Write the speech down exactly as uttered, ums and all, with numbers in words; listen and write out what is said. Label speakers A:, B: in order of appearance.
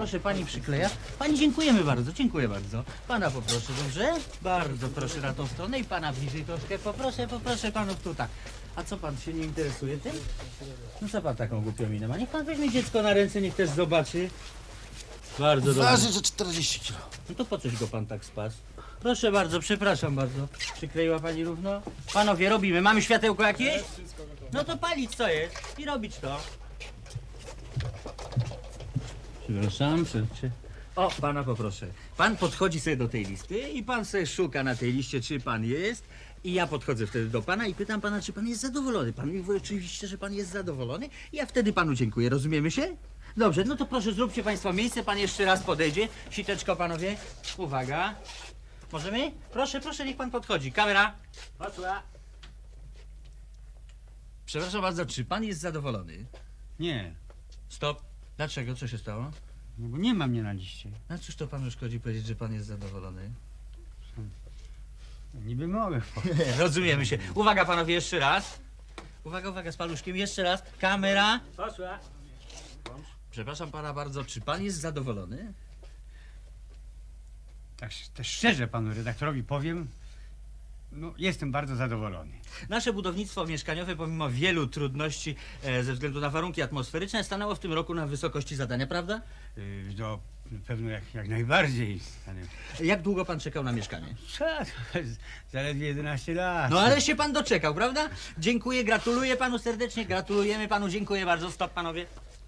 A: Proszę, pani przykleja. Pani, dziękujemy bardzo, dziękuję bardzo. Pana poproszę, dobrze? Bardzo proszę na tą stronę i pana bliżej troszkę. Poproszę, poproszę panów tu tak. A co pan się nie interesuje tym? No co pan taką głupią minę ma? Niech pan weźmie dziecko na ręce, niech też zobaczy. Bardzo dobrze.
B: Waży, że czterdzieści kilo.
A: No to po coś go pan tak spas? Proszę bardzo, przepraszam bardzo. Przykleiła pani równo? Panowie, robimy. Mamy światełko jakieś? No to palić co jest i robić to. Przepraszam, przepraszam. O, pana poproszę. Pan podchodzi sobie do tej listy i pan sobie szuka na tej liście, czy pan jest. I ja podchodzę wtedy do pana i pytam pana, czy pan jest zadowolony. Pan mi mówi oczywiście, że pan jest zadowolony. I ja wtedy panu dziękuję. Rozumiemy się? Dobrze, no to proszę, zróbcie państwo miejsce. Pan jeszcze raz podejdzie. Siteczko, panowie. Uwaga. Możemy? Proszę, proszę, niech pan podchodzi. Kamera. Poszła. Przepraszam bardzo, czy pan jest zadowolony?
C: Nie,
A: Stop. Dlaczego? Co się stało?
C: no bo nie ma mnie na liście.
A: A cóż to panu szkodzi powiedzieć, że pan jest zadowolony?
C: Niby mogę.
A: Rozumiemy się. Uwaga panowie, jeszcze raz. Uwaga, uwaga z paluszkiem, jeszcze raz. Kamera. Poszła. Przepraszam pana bardzo, czy pan jest zadowolony?
C: Tak też szczerze panu redaktorowi powiem, no jestem bardzo zadowolony.
A: Nasze budownictwo mieszkaniowe, pomimo wielu trudności e, ze względu na warunki atmosferyczne, stanęło w tym roku na wysokości zadania, prawda?
C: Yy, to pewno jak, jak najbardziej. Ale
A: Jak długo pan czekał na mieszkanie?
C: co? Zaledwie jedenaście lat.
A: No ale się pan doczekał, prawda? Dziękuję, gratuluję panu serdecznie, gratulujemy panu, dziękuję bardzo. Stop panowie.